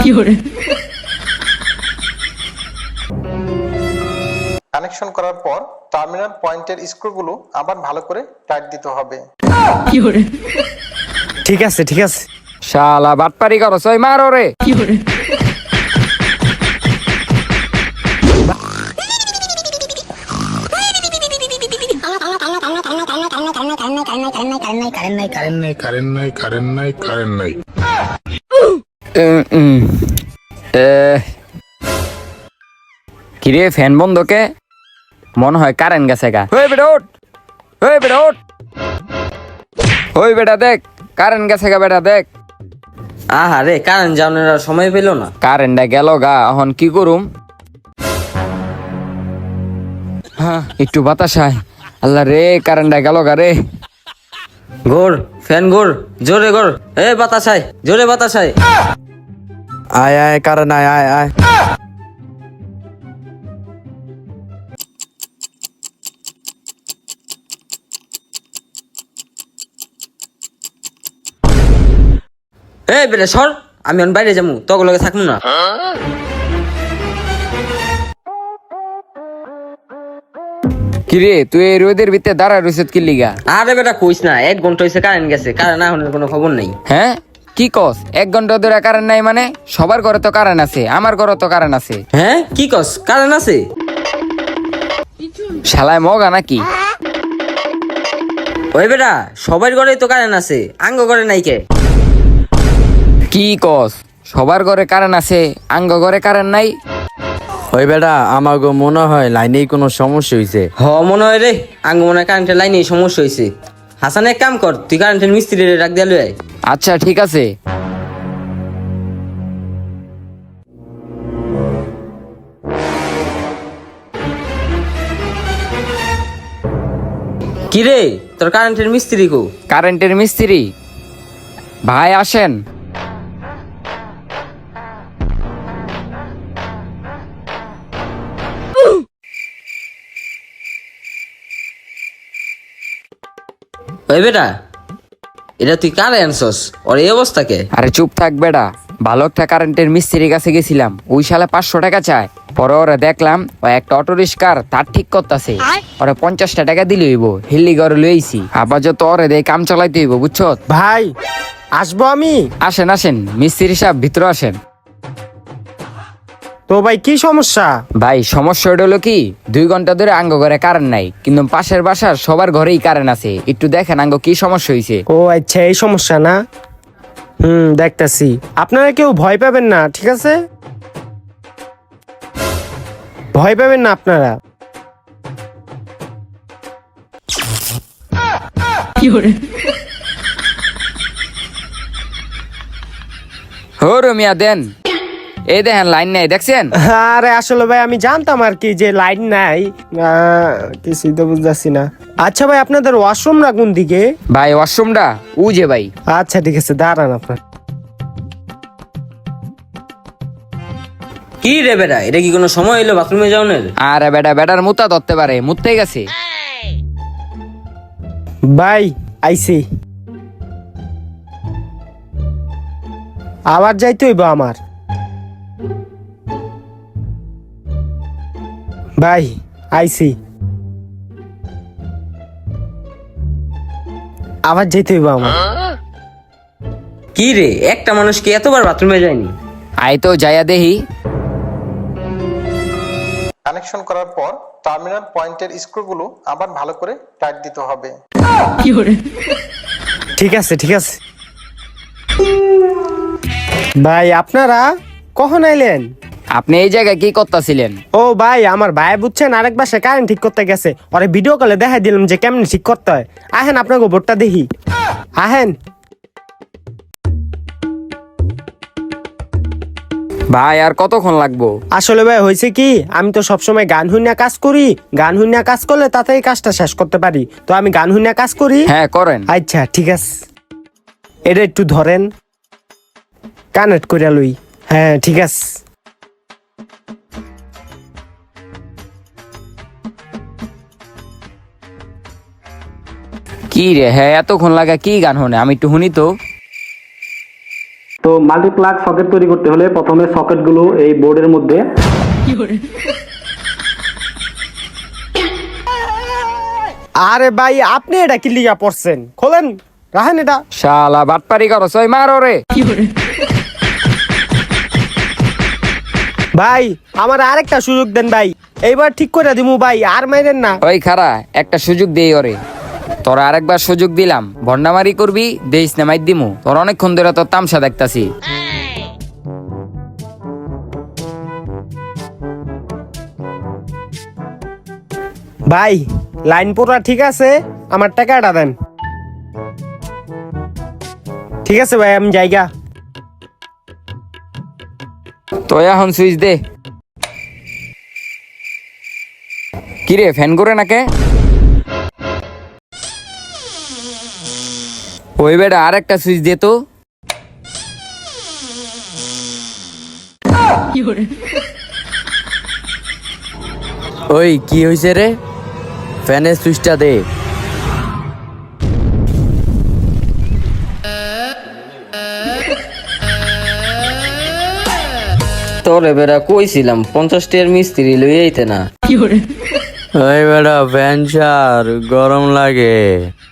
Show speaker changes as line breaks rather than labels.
Connection করার পর terminal পয়েন্টের স্ক্রুগুলো আবার ভালো করে টাইট দিতে হবে।
ঠিক আছে ঠিক আছে।
শালা বাটপারি করো সই মারো রে। কিরে ফ্যান বন্ধ কে? মনে হয় কারেন্ট গেছে গা। ওই বেটা ওঠ, ওই বেটা ওঠ, ওই বেটা দেখ কারেন্ট গেছে গা। বেটা দেখ
আহারে কারেন্ট যাওয়ার আর সময় পেল না।
কারেন্টটা গেল গা, এখন কি করুম? হ্যাঁ একটু বাতাস আয়। আল্লাহ রে কারেন্টটা গেল গা রে।
ঘোর ফ্যান ঘোর, জোরে ঘোর। এ বাতাস আয়, জোরে বাতাস আয়।
আয় আয় কারণ আয় আয় আয়।
এ বেটা সর, আমি এখন বাইরে যাবো, তোকে লগে থাকবো না।
কিরে তুই এই রোদের ভিতরে দাঁড়ায় রইছত কি লিগা?
আরে বেটা কইস না, 1 ঘন্টা হয়েছে কারেন্ট গেছে, কারেন্ট এখন কোনো খবর নেই।
হ্যাঁ কি কস? 1 ঘন্টা ধরে কারেন্ট নাই মানে? সবার ঘরে তো কারেন্ট আছে, আমার ঘরে তো কারেন্ট আছে।
হ্যাঁ কি কস, কারেন্ট আছে?
শালায় মগা নাকি?
ওই বেটা সবার ঘরেই তো কারেন্ট আছে, আঙ্গ ঘরে নাই কে?
কি কস? সবার ঘরে কারেন্ট আছে, আঙ্গ ঘরে কারেন্ট নাই?
ওই বেটা আমাকে মনে হয় লাইনেই কোনো সমস্যা হয়েছে।
হ মনে হয় রে, আঙ্গ মনে হয় কারেন্টের লাইনে সমস্যা হয়েছে। হাসান এক কাম কর, তুই কারেন্টের মিস্ত্রি ডাক দিয়ে লই আয়।
আচ্ছা ঠিক আছে।
কি রে তোর কারেন্টের মিস্ত্রি কো?
কারেন্টের মিস্ত্রি ভাই আসেন।
ওই বেটা এটা তুই কারে আনছস? ওর এই অবস্থা কে?
আরে চুপ থাক বেটা, ভালো একটা কারেন্টের মিস্ত্রির কাছে গেছিলাম, ওই শালা 500 টাকা চায়। পরে ওরা দেখলাম ও একটা অটো রিক্সার তার ঠিক করতেছে, ওরা 50টা টাকা দিলে হইব, হিল্লি ঘরে লইছি। আবার যত ওরে দেয় কাম চালাইতে হইব বুঝছো?
ভাই আসবো আমি।
আসেন আসেন মিস্ত্রি সাহেব, ভিতরে আসেন।
তো ভাই কি সমস্যা?
ভাই সমস্যা হলো কি, 2 ঘন্টা ধরে আঙ্গ ঘরে কারেন্ট নাই, কিন্তু পাশের বাসার সবার ঘরেই কারেন্ট আছে। একটু দেখেন আঙ্গ কি সমস্যা হয়েছে।
ও আচ্ছা এই সমস্যা না। দেখতাছি। আপনারা কেউ ভয় পাবেন না, ঠিক আছে? ভয় পাবেন না আপনারা।
হো রমিয়া দেন, এই দেখেন লাইন নাই দেখছেন?
আরে আসলে ভাই আমি জানতাম আর কি যে লাইন নাই, কিছুই তো বুঝতেছি না। আচ্ছা ভাই আপনাদের ওয়াশরুমটা কোন দিকে?
ভাই ওয়াশরুমটা ও যে ভাই।
আচ্ছা ঠিক আছে দাঁড়ান আপনার।
কি রে বেটা, এটা কি কোনো সময় হইলো বাথরুমে যাওয়ার?
আরে বেটা বেটার মুতা ধরতে পারে, মুততে গেছে।
ভাই আইসি, আবার যাইতে হইব আমার। ভাই আইসি, আবার যেতে হইব আমার।
কি রে একটা মানুষ কি এতবার বাথরুমে যায়নি?
আই তো যাইয়া দেহি।
কানেকশন করার পর টার্মিনাল পয়েন্টের স্ক্রুগুলো আবার ভালো করে টাইট দিতে হবে।
ঠিক আছে ঠিক আছে। ভাই আপনারা কখন আইলেন?
আপনি এই জায়গায় কি করতেছিলেন?
ও ভাই আমার ভাই বুঝছেন আরেক বাসে কারেন্ট ঠিক করতে গেছে, ওরে ভিডিও কলে দেখাই দিলাম যে কেমনে ঠিক করতে হয়। আহেন আপনার গোবরটা দেখি, আহেন।
ভাই আর কতক্ষণ লাগবো?
আসলে ভাই হয়েছে কি, আমি তো সবসময় গান হুইনা কাজ করি, গান হুইনা কাজ করলে তাতেই কাজটা শেষ করতে পারি, তো আমি গান হুইনা কাজ করি।
হ্যাঁ করেন।
আচ্ছা ঠিক আছে, এটা একটু ধরেন, কানেক্ট করে লই। হ্যাঁ ঠিক আছে।
কি রে হ্যাঁ এতক্ষণ লাগা কি গান শুনে? আমি একটু শুনি তো।
তো মাল্টিপ্লাগ সকেট তৈরি করতে হলে প্রথমে সকেটগুলো এই বোর্ডের মধ্যে
আরে ভাই আপনি এটা কি লিগা পড়ছেন, খোলেন রাখেন এটা।
শালা বাটপারি করো সই মারো রে।
ভাই আমার আরেকটা সুযোগ দেন ভাই, এইবার ঠিক করে দিমু ভাই, আর মাইরেন না।
ওই খারা একটা সুযোগ দেই ওরে। তোরা আরেকবার সুযোগ দিলাম, ভন্ডামারি করবি দেইস না মাইর দিমু। তোর অনেকক্ষণ ধরে তোর তামসা দেখতাছি।
ভাই লাইন পুরা ঠিক আছে, আমার টাকাটা দেন। ঠিক আছে ভাই আমি যাইগা।
তো এখন সুইচ দে। কিরে ফ্যান করে নাকে? ওই বেটা আর একটা সুইচ দে তো।
ওই কি হয়েছে রে, ফ্যানের সুইচটা দে।
তোরে বেড়া কইছিলাম 50 টাকার মিস্ত্রি লই আইতে না।
ওই বেটা ফ্যান ছাড়, গরম লাগে।